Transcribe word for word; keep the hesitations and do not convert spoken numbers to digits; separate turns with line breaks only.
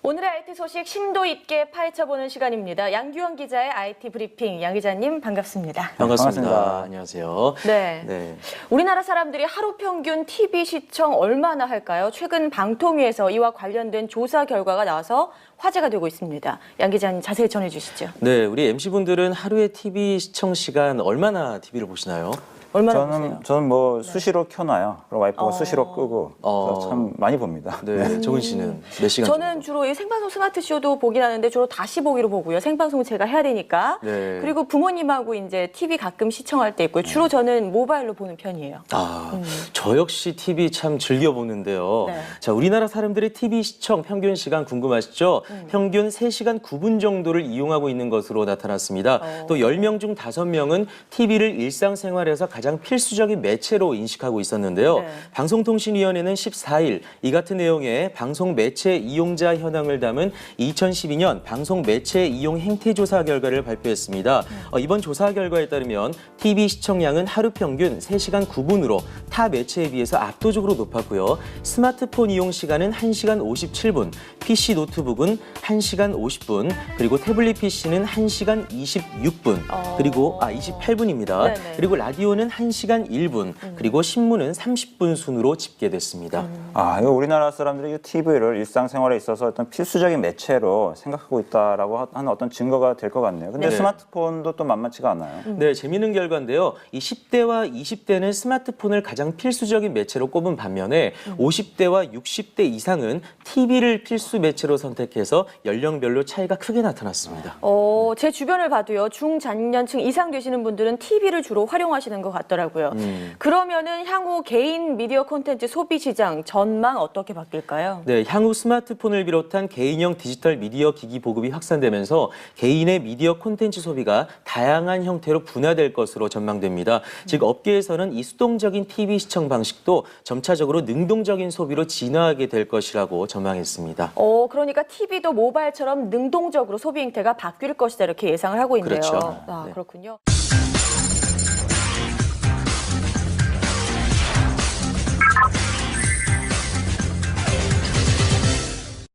오늘의 아이티 소식 심도 있게 파헤쳐보는 시간입니다. 양규영 기자의 아이티 브리핑. 양 기자님 반갑습니다.
반갑습니다.
반갑습니다.
안녕하세요.
네.
네.
우리나라 사람들이 하루 평균 티비 시청 얼마나 할까요? 최근 방통위에서 이와 관련된 조사 결과가 나와서 화제가 되고 있습니다. 양 기자님 자세히 전해주시죠.
네, 우리 엠씨분들은 하루에 티비 시청 시간 얼마나 티비를 보시나요?
얼마나
저는
보세요?
저는 뭐 수시로 켜놔요. 그리고 와이프가
어.
수시로 끄고
어.
그래서 참 많이 봅니다.
네, 정은 씨는 몇 시간
저는
정도?
주로 이 생방송 스마트 쇼도 보긴 하는데 주로 다시 보기로 보고요. 생방송 제가 해야 되니까.
네.
그리고 부모님하고 이제 티비 가끔 시청할 때 있고요. 주로 저는 모바일로 보는 편이에요.
아,
음.
저 역시 티비 참 즐겨 보는데요.
네.
자, 우리나라 사람들의 티비 시청 평균 시간 궁금하시죠?
음.
평균 세 시간 구 분 정도를 이용하고 있는 것으로 나타났습니다.
어.
또 열 명 중 다섯 명은 티비를 일상생활에서 가장 필수적인 매체로 인식하고 있었는데요.
네.
방송통신위원회는 십사 일 이 같은 내용의 방송 매체 이용자 현황을 담은 이천십이 년 방송 매체 이용 행태 조사 결과를 발표했습니다.
음.
어, 이번 조사 결과에 따르면 티비 시청량은 하루 평균 세 시간 구 분으로 타 매체에 비해서 압도적으로 높았고요. 스마트폰 이용 시간은 한 시간 오십칠 분, 피씨 노트북은 한 시간 오십 분, 그리고 태블릿 피씨는 한 시간 이십육 분,
어.
그리고 아 이십팔 분입니다.
네네.
그리고 라디오는 한 시간 일 분, 그리고 신문은 삼십 분 순으로 집계됐습니다.
아, 이거 우리나라 사람들이 티비를 일상생활에 있어서 어떤 필수적인 매체로 생각하고 있다라고 하는 어떤 증거가 될 것 같네요. 근데
네.
스마트폰도 또 만만치가 않아요.
네, 재미있는 결과인데요. 이 십 대와 이십 대는 스마트폰을 가장 필수적인 매체로 꼽은 반면에 오십 대와 육십 대 이상은 티비를 필수 매체로 선택해서 연령별로 차이가 크게 나타났습니다.
어, 제 주변을 봐도요. 중장년층 이상 되시는 분들은 티비를 주로 활용하시는 것 같더라고요.
음.
그러면은 향후 개인 미디어 콘텐츠 소비 시장 전망 어떻게 바뀔까요?
네, 향후 스마트폰을 비롯한 개인형 디지털 미디어 기기 보급이 확산되면서 개인의 미디어 콘텐츠 소비가 다양한 형태로 분화될 것으로 전망됩니다. 즉 업계에서는 이 수동적인 티비 시청 방식도 점차적으로 능동적인 소비로 진화하게 될 것이라고 전망했습니다.
어, 그러니까 티비도 모바일처럼 능동적으로 소비 행태가 바뀔 것이다 이렇게 예상을 하고 있네요.
그렇죠.
아,
네.
그렇군요.